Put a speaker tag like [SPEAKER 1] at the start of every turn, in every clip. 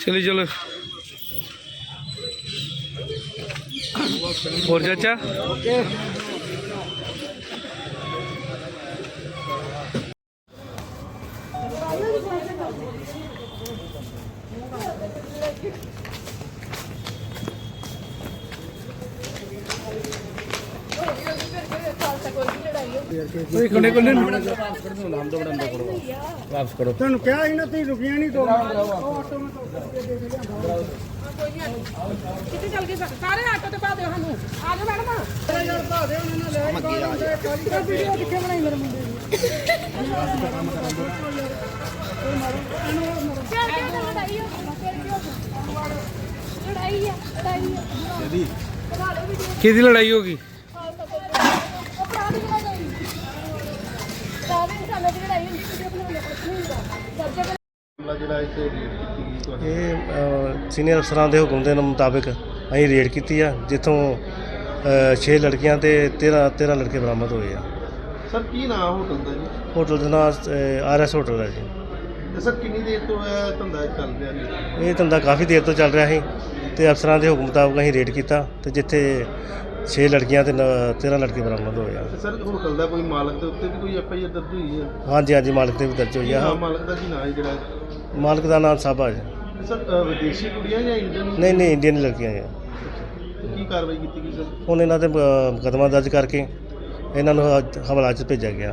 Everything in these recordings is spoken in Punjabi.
[SPEAKER 1] चलिए चलो और चाचा
[SPEAKER 2] वापस करो तेन क्या ही ना तुम रुकिया नहीं तो
[SPEAKER 3] कितने चल गए सारे आटो ते पा दियो सानू आ जाओ मैडम यार पा दियो उन्होंने ले वीडियो दिखे बनाई मेरे मुंडे
[SPEAKER 1] की लड़ाई होगी
[SPEAKER 4] ਇਹ ਸੀਨੀਅਰ ਅਫਸਰਾਂ ਦੇ ਹੁਕਮ ਦੇ ਮੁਤਾਬਿਕ ਅਸੀਂ ਰੇਡ ਕੀਤੀ ਆ, ਜਿੱਥੋਂ 6 ਲੜਕੀਆਂ ਤੇ 13 ਲੜਕੇ ਬਰਾਮਦ ਹੋਏ ਆ।
[SPEAKER 5] ਸਰ ਕੀ ਨਾਮ ਹੋਟਲ ਦਾ ਜੀ?
[SPEAKER 4] ਹੋਟਲ ਦਾ ਨਾਮ RS ਹੋਟਲ ਹੈ ਜੀ।
[SPEAKER 5] ਤੇ ਸਰ ਕਿੰਨੀ ਦੇਰ ਤੋਂ ਇਹ ਧੰਦਾ ਚੱਲ ਰਿਹਾ ਜੀ?
[SPEAKER 4] ਇਹ ਧੰਦਾ ਕਾਫੀ ਦੇਰ ਤੋਂ ਚੱਲ ਰਿਹਾ ਸੀ ਤੇ ਅਫਸਰਾਂ ਦੇ ਹੁਕਮ ਮੁਤਾਬਕ ਅਸੀਂ ਰੇਡ ਕੀਤਾ ਤੇ ਜਿੱਥੇ 6 ਲੜਕੀਆਂ ਤੇ 13 ਲੜਕੇ ਬਰਾਮਦ ਹੋਏ ਆ।
[SPEAKER 5] ਤੇ ਸਰ ਹੋਟਲ ਦਾ ਕੋਈ ਮਾਲਕ ਦੇ ਉੱਤੇ ਵੀ ਕੋਈ FIR ਦਰਜ ਹੋਈ ਹੈ?
[SPEAKER 4] ਹਾਂਜੀ ਹਾਂਜੀ, ਮਾਲਕ ਤੇ ਵੀ ਦਰਜ ਹੋਈ ਆ।
[SPEAKER 5] ਮਾਲਕ ਦਾ ਕੀ ਨਾਮ ਹੈ ਜਿਹੜਾ?
[SPEAKER 4] ਮਾਲਕ ਦਾ ਨਾਮ ਸਾਬਾ ਜੀ।
[SPEAKER 5] ਤੇ ਸਰ ਵਿਦੇਸ਼ੀ ਕੁੜੀਆਂ ਜਾਂ ਇੰਡੀਅਨ?
[SPEAKER 4] ਨਹੀਂ ਇੰਡੀਅਨ ਲੜਕੀਆਂ ਆ।
[SPEAKER 5] ਕੀ ਕਾਰਵਾਈ ਕੀਤੀ ਗਈ ਸਰ?
[SPEAKER 4] ਹੁਣ ਇਹਨਾਂ ਤੇ ਮੁਕੱਦਮਾ ਦਰਜ ਕਰਕੇ ਇਹਨਾਂ ਨੂੰ ਹਵਾਲਾ 'ਚ ਭੇਜਿਆ ਗਿਆ।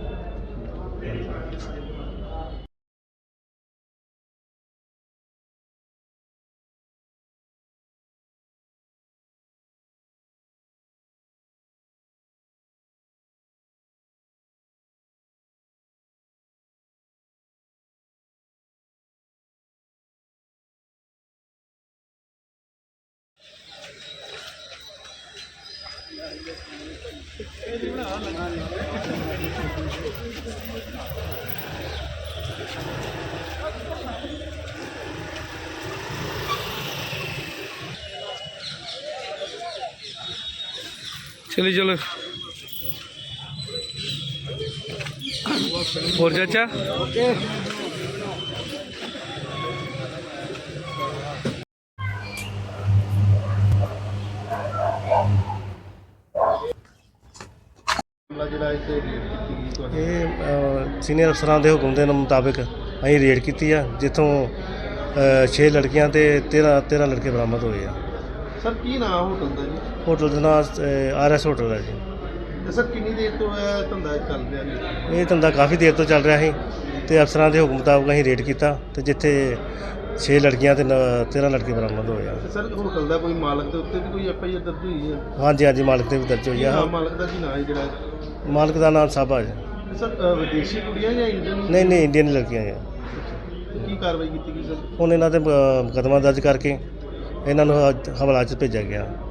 [SPEAKER 1] चलिए चलो और चाचा
[SPEAKER 5] ਜਿਹੜਾ ਇੱਥੇ ਰੇਡ ਕੀਤੀ ਗਈ ਤੁਹਾਡੀ?
[SPEAKER 4] ਇਹ ਸੀਨੀਅਰ ਅਫਸਰਾਂ ਦੇ ਹੁਕਮ ਦੇ ਮੁਤਾਬਿਕ ਅਸੀਂ ਰੇਡ ਕੀਤੀ ਆ, ਜਿੱਥੋਂ 6 ਲੜਕੀਆਂ ਤੇ 13 ਲੜਕੇ ਬਰਾਮਦ ਹੋਏ ਆ।
[SPEAKER 5] ਸਰ ਕੀ ਨਾਮ ਹੋਟਲ ਦਾ ਜੀ?
[SPEAKER 4] ਹੋਟਲ ਦਾ ਨਾਮ RS ਹੋਟਲ ਹੈ ਜੀ।
[SPEAKER 5] ਤੇ ਸਰ ਕਿੰਨੀ ਦੇਰ ਤੋਂ ਇਹ ਧੰਦਾ ਚੱਲ ਰਿਹਾ ਜੀ?
[SPEAKER 4] ਇਹ ਧੰਦਾ ਕਾਫੀ ਦੇਰ ਤੋਂ ਚੱਲ ਰਿਹਾ ਸੀ ਤੇ ਅਫਸਰਾਂ ਦੇ ਹੁਕਮ ਮੁਤਾਬਕ ਅਸੀਂ ਰੇਡ ਕੀਤਾ ਤੇ ਜਿੱਥੇ 6 ਲੜਕੀਆਂ ਤੇ 13 ਲੜਕੇ ਬਰਾਮਦ ਹੋਏ ਆ।
[SPEAKER 5] ਤੇ ਸਰ ਹੋਟਲ ਦਾ ਕੋਈ ਮਾਲਕ ਦੇ ਉੱਤੇ ਵੀ ਕੋਈ FIR ਦਰਜ ਹੋਈ ਹੈ?
[SPEAKER 4] ਹਾਂਜੀ ਹਾਂਜੀ, ਮਾਲਕ ਤੇ ਵੀ ਦਰਜ ਹੋਈ ਆ।
[SPEAKER 5] ਮਾਲਕ ਦਾ ਕੀ ਨਾਮ ਹੈ ਜਿਹੜਾ?
[SPEAKER 4] ਮਾਲਕ ਦਾ ਨਾਮ ਸਾਬਾ ਜੀ।
[SPEAKER 5] ਤੇ ਸਰ ਵਿਦੇਸ਼ੀ ਕੁੜੀਆਂ ਜਾਂ ਇੰਡੀਅਨ?
[SPEAKER 4] ਨਹੀਂ ਇੰਡੀਅਨ ਲੜਕੀਆਂ ਆ।
[SPEAKER 5] ਤੇ ਕੀ ਕਾਰਵਾਈ ਕੀਤੀ ਗਈ ਸਰ?
[SPEAKER 4] ਹੁਣ ਇਹਨਾਂ ਤੇ ਮੁਕੱਦਮਾ ਦਰਜ ਕਰਕੇ ਇਹਨਾਂ ਨੂੰ ਹਵਾਲਾ 'ਚ ਭੇਜਿਆ ਗਿਆ।